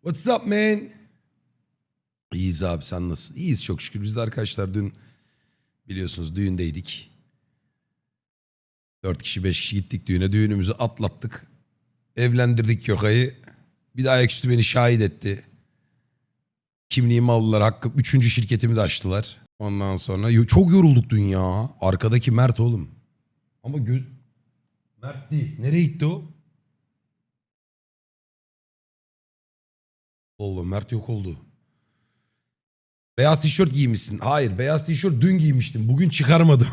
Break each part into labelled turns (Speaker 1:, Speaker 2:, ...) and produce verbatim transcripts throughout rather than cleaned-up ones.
Speaker 1: What's up man? İyiyiz abi, sen nasılsın? İyiyiz çok şükür. Biz de arkadaşlar dün biliyorsunuz düğündeydik. Dört kişi beş kişi gittik düğüne. Düğünümüzü atlattık. Evlendirdik Gökay'ı. Bir de ayaküstü beni şahit etti. Kimliğimi aldılar. Hakkı üçüncü şirketimi de açtılar. Ondan sonra yo- çok yorulduk dün ya. Arkadaki Mert oğlum. Ama göz... Mert değil. Nereye gitti o? Allah, Mert yok oldu. Beyaz tişört giymişsin. Hayır, beyaz tişört dün giymiştim. Bugün çıkarmadım.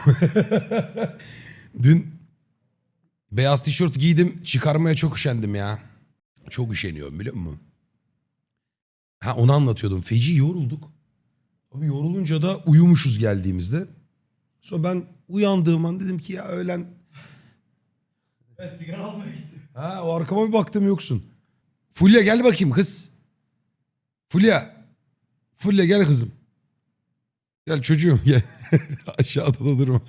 Speaker 1: Dün beyaz tişört giydim. Çıkarmaya çok üşendim ya. Çok üşeniyorum biliyor musun? Ha, onu anlatıyordum. Feci yorulduk. Abi yorulunca da uyumuşuz geldiğimizde. Sonra ben uyandığım an dedim ki ya öğlen...
Speaker 2: Ben sigara almaya gittim.
Speaker 1: Ha, o arkama bir baktım yoksun. Fulya gel bakayım kız. Fulya. Fulya gel kızım. Gel çocuğum gel. Aşağıda da durma.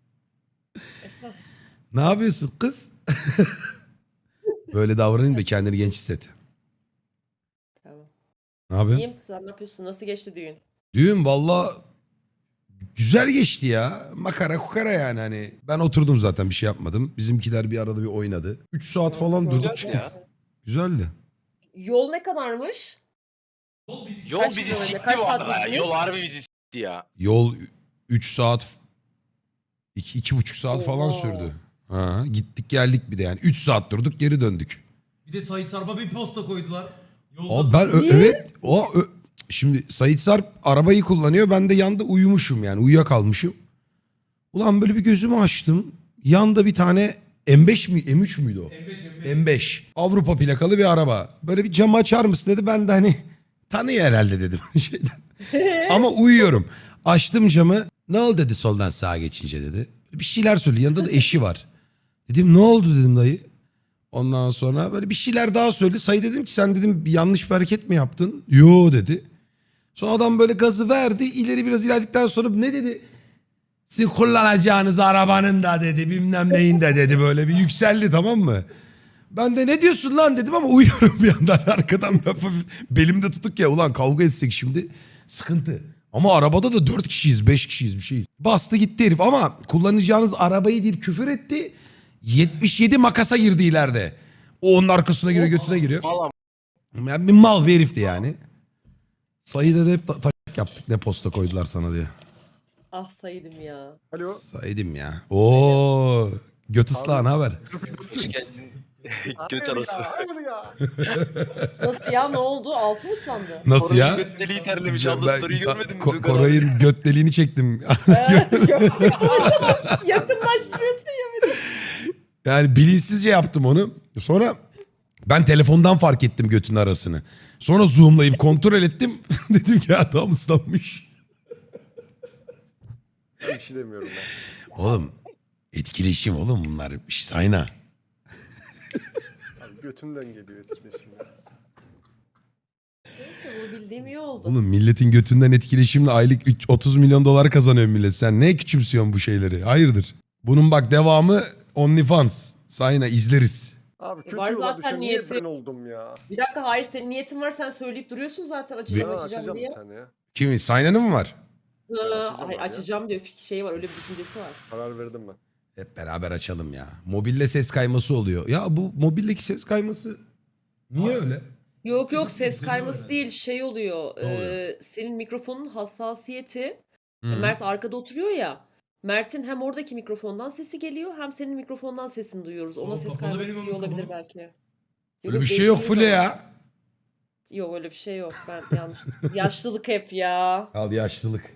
Speaker 1: Ne yapıyorsun kız? Böyle davranayım da kendini genç hisset.
Speaker 3: Tamam.
Speaker 1: Ne yapıyorsun?
Speaker 3: İyi misin sen? Ne yapıyorsun? Nasıl geçti düğün?
Speaker 1: Düğün valla güzel geçti ya. Makara kukara yani hani. Ben oturdum zaten, bir şey yapmadım. Bizimkiler bir arada bir oynadı. üç saat falan durduk çıktık.
Speaker 4: ya.
Speaker 1: Güzeldi.
Speaker 3: Yol ne kadarmış?
Speaker 2: Yol bizi
Speaker 4: Yol
Speaker 3: Kaç
Speaker 4: bizi
Speaker 3: kilometre,
Speaker 4: sikti
Speaker 3: kaç
Speaker 4: bu
Speaker 3: saat
Speaker 4: arada ya.
Speaker 3: gittiniz?
Speaker 4: Yol harbi bizi sikti ya.
Speaker 1: Yol üç saat iki, iki buçuk saat falan
Speaker 3: Oha.
Speaker 1: sürdü. Ha, gittik geldik bir de yani. üç saat durduk geri döndük.
Speaker 2: Bir de Sait Sarp'a bir posta koydular. Yolda
Speaker 1: O ben ö-
Speaker 3: Niye?
Speaker 1: evet o ö- şimdi Sait Sarp arabayı kullanıyor, ben de yanda uyumuşum yani uyuyakalmışım. Ulan böyle bir gözümü açtım. Yanda bir tane M beş mi M üç müydü o?
Speaker 2: M beş M beş.
Speaker 1: M beş Avrupa plakalı bir araba. Böyle bir camı açar mısın dedi, ben de hani tanıyor herhalde dedim şeyden. Ama uyuyorum. Açtım camı. Ne oldu dedi soldan sağa geçince dedi. Bir şeyler söyledi. Yanında da eşi var. Dedim ne oldu dedim dayı. Ondan sonra böyle bir şeyler daha söyledi. Sayı dedim ki sen dedim bir yanlış bir hareket mi yaptın? Yo dedi. Sonra adam böyle gazı verdi. İleri biraz ilerledikten sonra ne dedi? Sizin kullanacağınız arabanın da dedi bilmem neyin de dedi, böyle bir yükseldi, tamam mı? Ben de ne diyorsun lan dedim ama uyuyorum bir yandan arkadan lafı belimde tutuk ya, ulan kavga etsek şimdi sıkıntı. Ama arabada da dört kişiyiz beş kişiyiz bir şeyiz. Bastı gitti herif ama kullanacağınız arabayı deyip küfür etti. yetmiş yedi makasa girdi ileride. O onun arkasına giriyor götüne giriyor.
Speaker 4: Valla
Speaker 1: Yani bir mal bir herifti yani. Sayıda da hep ta- taşak yaptık ne posta koydular sana diye.
Speaker 3: Ah saydım ya.
Speaker 5: Alo.
Speaker 1: Saydım ya. Oo, göt ıslağı ne haber?
Speaker 4: hoş geldin. Göt
Speaker 5: Hayır
Speaker 4: arası.
Speaker 5: ya, hayır ya.
Speaker 3: Nasıl ya, ne oldu? Altı mı ıslandı?
Speaker 1: Nasıl
Speaker 4: Koray'ın
Speaker 1: ya?
Speaker 4: göt deliği terlemiş.
Speaker 1: Ben-
Speaker 4: Abla story'i görmedin mi?
Speaker 1: Ko-
Speaker 4: Duygu abi?
Speaker 1: Koray'ın göt deliğini çektim.
Speaker 3: Yakınlaştırıyorsun ya bir de.
Speaker 1: Yani bilinçsizce yaptım onu. Sonra ben telefondan fark ettim götün arasını. Sonra zoomlayıp kontrol ettim. Dedim ki ya tam ıslanmış.
Speaker 5: Bir şey demiyorum ben.
Speaker 1: Oğlum etkileşim oğlum bunlar. Sayna.
Speaker 5: Abi götümden geliyor etkileşim ya.
Speaker 3: Neyse, bu bildiğim iyi oldu.
Speaker 1: Oğlum milletin götünden etkileşimle aylık üç- otuz milyon dolar kazanıyor millet. Sen ne küçümsüyorsun bu şeyleri? Hayırdır? Bunun bak devamı OnlyFans. Sayna izleriz.
Speaker 5: Abi kötü
Speaker 3: Var
Speaker 5: yola
Speaker 3: zaten
Speaker 5: düşen niye
Speaker 3: niyeti.
Speaker 5: ben oldum ya?
Speaker 3: Bir dakika, hayır, senin niyetin var, sen söyleyip duruyorsun zaten açacağım
Speaker 5: Ben
Speaker 3: açacağım
Speaker 5: açacağım
Speaker 3: diye.
Speaker 5: bir tane ya.
Speaker 1: Kimi? Sayna'nın mı var?
Speaker 3: Ha,
Speaker 5: açacağım
Speaker 3: hayır,
Speaker 5: abi ya.
Speaker 3: açacağım diyor, fik- şey var, öyle bir düşüncesi var.
Speaker 5: Karar verdim ben.
Speaker 1: Hep beraber açalım ya. Mobilde ses kayması oluyor. Ya bu mobildeki ses kayması niye öyle?
Speaker 3: Yok yok, ses
Speaker 2: Üzülüyor
Speaker 3: kayması
Speaker 2: herhalde.
Speaker 3: değil, şey oluyor.
Speaker 1: Ne oluyor?
Speaker 3: e, senin mikrofonun hassasiyeti.
Speaker 1: Hı.
Speaker 3: Mert arkada oturuyor ya. Mert'in hem oradaki mikrofondan sesi geliyor hem senin mikrofondan sesini duyuyoruz. Ona
Speaker 2: Oğlum,
Speaker 3: ses
Speaker 2: kapalı
Speaker 3: kayması
Speaker 2: benim o
Speaker 3: diye olabilir
Speaker 2: mikrofonum.
Speaker 3: belki. Yok,
Speaker 1: Öyle bir şey
Speaker 3: değiştiği
Speaker 1: yok Fule
Speaker 3: zaman-
Speaker 1: ya.
Speaker 3: Yok öyle bir şey yok. Ben yanlış. Yaşlılık hep ya.
Speaker 1: Al yaşlılık.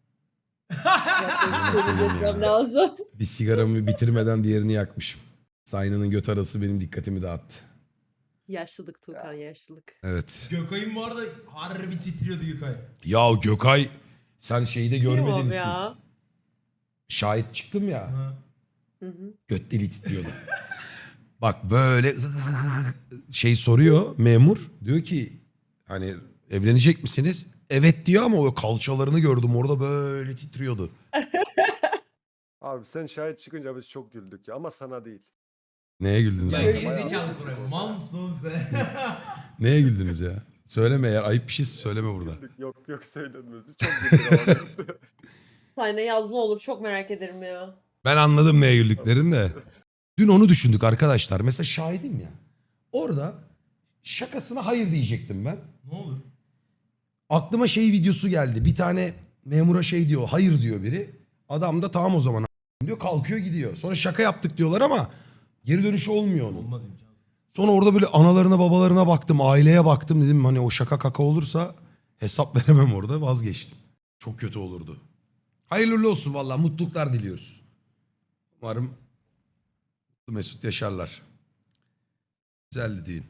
Speaker 3: Ya, temiz etmem lazım.
Speaker 1: Bir sigaramı bitirmeden diğerini yakmışım. Sayna'nın göt arası benim dikkatimi dağıttı.
Speaker 3: Yaşlılık Tuğkan, yaşlılık.
Speaker 1: Evet.
Speaker 2: Gökay'ın bu arada harbi titriyordu Gökay.
Speaker 1: Ya Gökay sen şeyde görmediniz
Speaker 3: Yok ya.
Speaker 1: siz. Şahit çıktım ya.
Speaker 2: Ha.
Speaker 3: Hı hı.
Speaker 1: Göt deliği titriyordu. Bak böyle şey soruyor memur. Diyor ki hani evlenecek misiniz? Evet diyor ama o kalçalarını gördüm orada böyle titriyordu.
Speaker 5: Abi sen şahit çıkınca biz çok güldük ya ama sana değil.
Speaker 1: Neye güldünüz
Speaker 2: Ya
Speaker 1: ya?
Speaker 5: Bayağı
Speaker 2: gerizekalı
Speaker 5: bir
Speaker 2: Koray.
Speaker 5: titriyor
Speaker 2: Mal
Speaker 5: ya.
Speaker 2: mısın oğlum sen?
Speaker 1: Neye güldünüz ya? Söyleme eğer ayıp bir şey söyleme burada.
Speaker 5: Güldük. Yok yok söylenmiyor. Biz çok güldük ama.
Speaker 3: Sayna yaz ne olur çok merak ederim ya.
Speaker 1: Ben anladım neye güldüklerini de. Dün onu düşündük arkadaşlar. Mesela şahidim ya. Orada şakasına hayır diyecektim ben.
Speaker 2: Ne olur?
Speaker 1: Aklıma şey videosu geldi. Bir tane memura şey diyor. Hayır diyor biri. Adam da tamam o zaman a- diyor. Kalkıyor gidiyor. Sonra şaka yaptık diyorlar ama geri dönüşü olmuyor onun.
Speaker 2: Olmaz imkansız.
Speaker 1: Sonra orada böyle analarına babalarına baktım. Aileye baktım dedim. Hani o şaka kaka olursa hesap veremem orada. Vazgeçtim. Çok kötü olurdu. Hayırlı uğurlu olsun valla. Mutluluklar diliyoruz. Umarım mutlu mesut yaşarlar. Güzeldi düğün.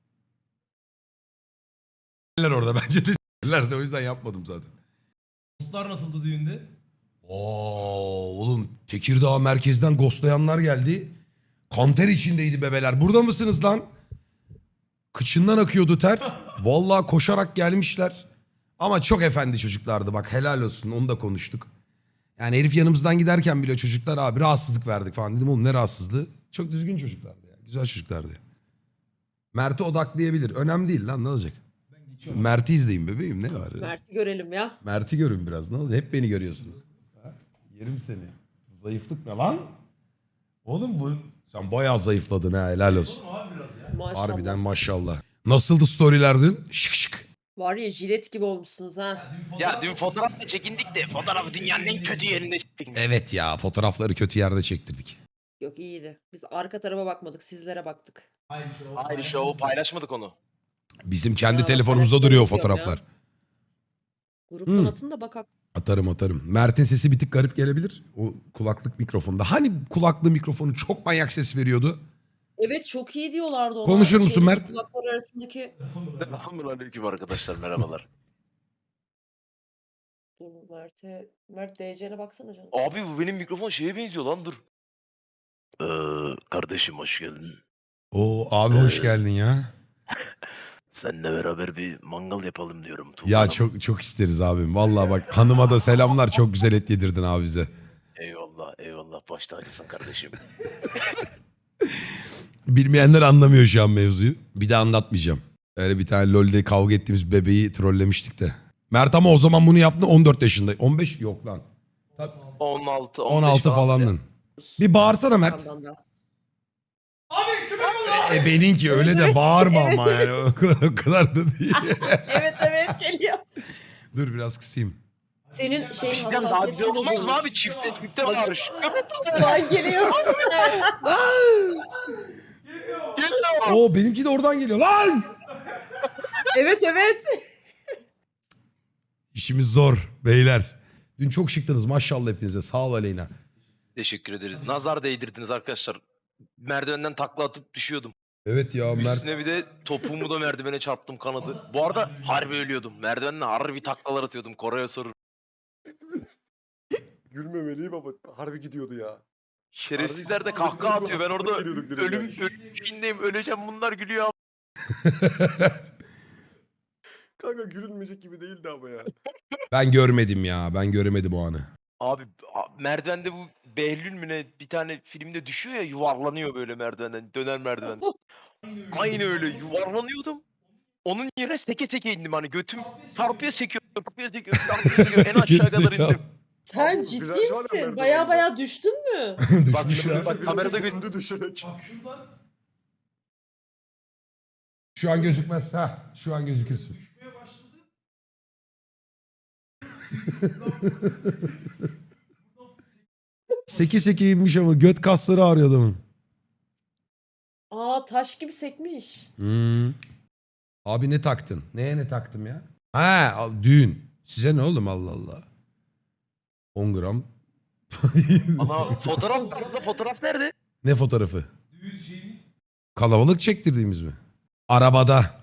Speaker 1: S**ler orada bence de s**ler de o yüzden yapmadım zaten.
Speaker 2: Dostlar nasıldı düğünde?
Speaker 1: Oo oğlum Tekirdağ merkezden ghostlayanlar geldi. Kanter içindeydi bebeler. Burada mısınız lan? Kıçından akıyordu ter. Vallahi koşarak gelmişler. Ama çok efendi çocuklardı bak helal olsun onu da konuştuk. Yani herif yanımızdan giderken bile çocuklar abi rahatsızlık verdik falan dedim oğlum ne rahatsızlığı. Çok düzgün çocuklardı ya. Güzel çocuklardı. Mert'i odaklayabilir. Önemli değil lan ne olacak?
Speaker 2: Ben geçiyorum.
Speaker 1: Mert'i izleyin bebeğim ne var?
Speaker 3: Mert'i görelim ya.
Speaker 1: Mert'i görün biraz ne oldu? Hep beni görüyorsunuz. Ha? Yerim seni. Zayıflık ne lan? Oğlum bu sen bayağı zayıfladın ha helal olsun.
Speaker 2: Oğlum abi biraz ya.
Speaker 3: Maşallah.
Speaker 1: Harbiden maşallah. Nasıldı storyler dün? Şık şık.
Speaker 3: Var ya jilet gibi olmuşsunuz ha.
Speaker 2: Dün
Speaker 4: Ya
Speaker 2: fotoğraf-
Speaker 4: dün fotoğrafla çekindik de fotoğrafı dünyanın en kötü yerinde çektik.
Speaker 1: Evet ya fotoğrafları kötü yerde çektirdik.
Speaker 3: Yok iyiydi. Biz arka tarafa bakmadık sizlere baktık.
Speaker 2: Hayır şey o.
Speaker 4: Hayır işte o paylaşmadık onu.
Speaker 1: Bizim kendi
Speaker 3: Ya,
Speaker 1: telefonumuzda
Speaker 3: paylaşmayı
Speaker 1: duruyor o
Speaker 3: unutuyorum
Speaker 1: fotoğraflar.
Speaker 3: Gruptan
Speaker 1: Hmm.
Speaker 3: atın da bakak.
Speaker 1: Atarım atarım. Mert'in sesi bir tık garip gelebilir. O kulaklık mikrofonda. Hani kulaklığı mikrofonu çok manyak ses veriyordu.
Speaker 3: Evet çok iyi diyorlardı ona.
Speaker 1: Konuşur musun
Speaker 3: Şeydeki
Speaker 1: Mert?
Speaker 3: Kulaklar arasındaki.
Speaker 4: Selamünaleyküm arkadaşlar merhabalar.
Speaker 3: Dur Mert'e. Mert D C'ne baksana canım.
Speaker 4: Abi bu benim mikrofon şeye benziyor lan dur. Ee, kardeşim hoş geldin.
Speaker 1: Oo abi hoş geldin ya.
Speaker 4: Seninle beraber bir mangal yapalım diyorum. Tufan
Speaker 1: Ya
Speaker 4: Hanım.
Speaker 1: çok çok isteriz abim. Vallahi bak hanıma da selamlar. Çok güzel et yedirdin abi bize.
Speaker 4: Eyvallah eyvallah baş tacısın kardeşim.
Speaker 1: Bilmeyenler anlamıyor şu an mevzuyu. Bir de anlatmayacağım. Öyle bir tane LoL'de kavga ettiğimiz bebeği trollemiştik de. Mert ama o zaman bunu yaptı on dört yaşında. on beş yok lan. Tabii.
Speaker 4: on altı
Speaker 1: on altı falandın. Bir bağırsana Mert.
Speaker 3: Yandan da.
Speaker 2: Abi köpek balığı.
Speaker 1: E benimki öyle de bağırma ama yani. O kadar, o kadar da değil.
Speaker 3: Evet evet geliyor.
Speaker 1: Dur biraz kısayım.
Speaker 3: Senin şeyin
Speaker 4: Bizden daha güzel
Speaker 3: hassasiyetin
Speaker 4: olmaz mı
Speaker 3: bozulmuş.
Speaker 4: abi? Çifte çifte bağırış.
Speaker 3: Lan geliyor.
Speaker 4: Geliyor.
Speaker 1: Oo benimki de oradan geliyor lan.
Speaker 3: Evet evet.
Speaker 1: İşimiz zor beyler. Dün çok şıktınız maşallah hepinize. Sağ ol Aleyna.
Speaker 4: Teşekkür ederiz. Nazar değdirdiniz arkadaşlar. Merdivenden takla atıp düşüyordum.
Speaker 1: Evet ya Mert.
Speaker 4: Üstüne bir de topuğumu da merdivene çarptım kanadı. Bu arada harbi ölüyordum. Merdivenle harbi taklalar atıyordum. Koray'a sorun.
Speaker 5: Gülmemeliyim ama harbi gidiyordu ya.
Speaker 4: Şerefsizler de
Speaker 5: Harbi
Speaker 4: kahkaha
Speaker 5: gidiyordu,
Speaker 4: atıyor. Ben orada
Speaker 5: hastalık giriyorduk direkt
Speaker 4: ölüm
Speaker 5: yani.
Speaker 4: ölüm şeyindeyim. Öleceğim bunlar gülüyor.
Speaker 5: Kanka gülünmeyecek gibi değildi ama ya.
Speaker 1: Ben görmedim ya. Ben göremedim o anı.
Speaker 4: Abi a- merdivende bu Behlül mü ne bir tane filmde düşüyor ya yuvarlanıyor böyle merdivenden. Döner merdiven. Aynı öyle yuvarlanıyordum. Onun yerine seke seke indim hani götüm çarpıya sekiyor, çarpıya sekiyor, çarpıya sekiyor. En aşağı kadar indim.
Speaker 3: Sen
Speaker 5: Abi,
Speaker 3: ciddi
Speaker 5: viraj var ya
Speaker 3: misin?
Speaker 5: merdivende.
Speaker 3: Baya baya düştün mü?
Speaker 4: Bak,
Speaker 1: Düşmüş ya.
Speaker 4: bak kamerada gö-
Speaker 5: gündü düşerek.
Speaker 2: Bak şuradan
Speaker 1: Şu an gözükmez. Ha, şu an gözükürsün.
Speaker 2: düşmeye başladı.
Speaker 1: Seki seki inmiş ama göt kasları ağrıyor adamın.
Speaker 3: Aa taş gibi sekmiş.
Speaker 1: Hmm. Abi ne taktın? Neye ne taktım ya? Ha düğün. Size ne oğlum Allah Allah. on gram.
Speaker 4: Ana fotoğraf nerede? Fotoğraf nerede?
Speaker 1: Ne fotoğrafı?
Speaker 2: Düğün şeyimiz.
Speaker 1: Kalabalık çektirdiğimiz mi? Arabada.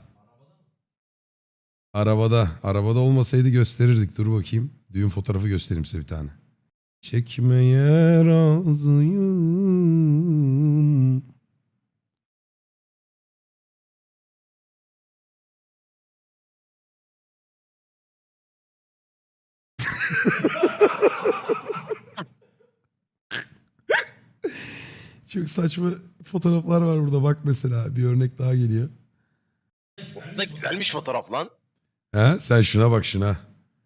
Speaker 1: Arabada. Arabada olmasaydı gösterirdik. Dur bakayım. Düğün fotoğrafı göstereyim size bir tane. Çekmeye razıyım. Çok saçma fotoğraflar var burada. Bak mesela bir örnek daha geliyor.
Speaker 4: Da güzelmiş fotoğraf lan.
Speaker 1: Ha, sen şuna bak şuna.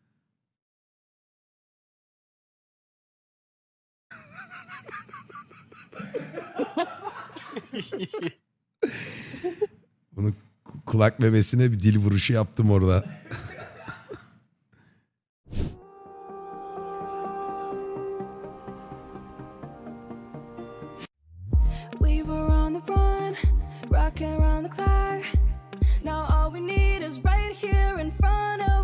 Speaker 1: Bunu ku- kulak memesine bir dil vuruşu yaptım orada.
Speaker 6: We were on the run, rocking around the clock. Now all we need is right here in front of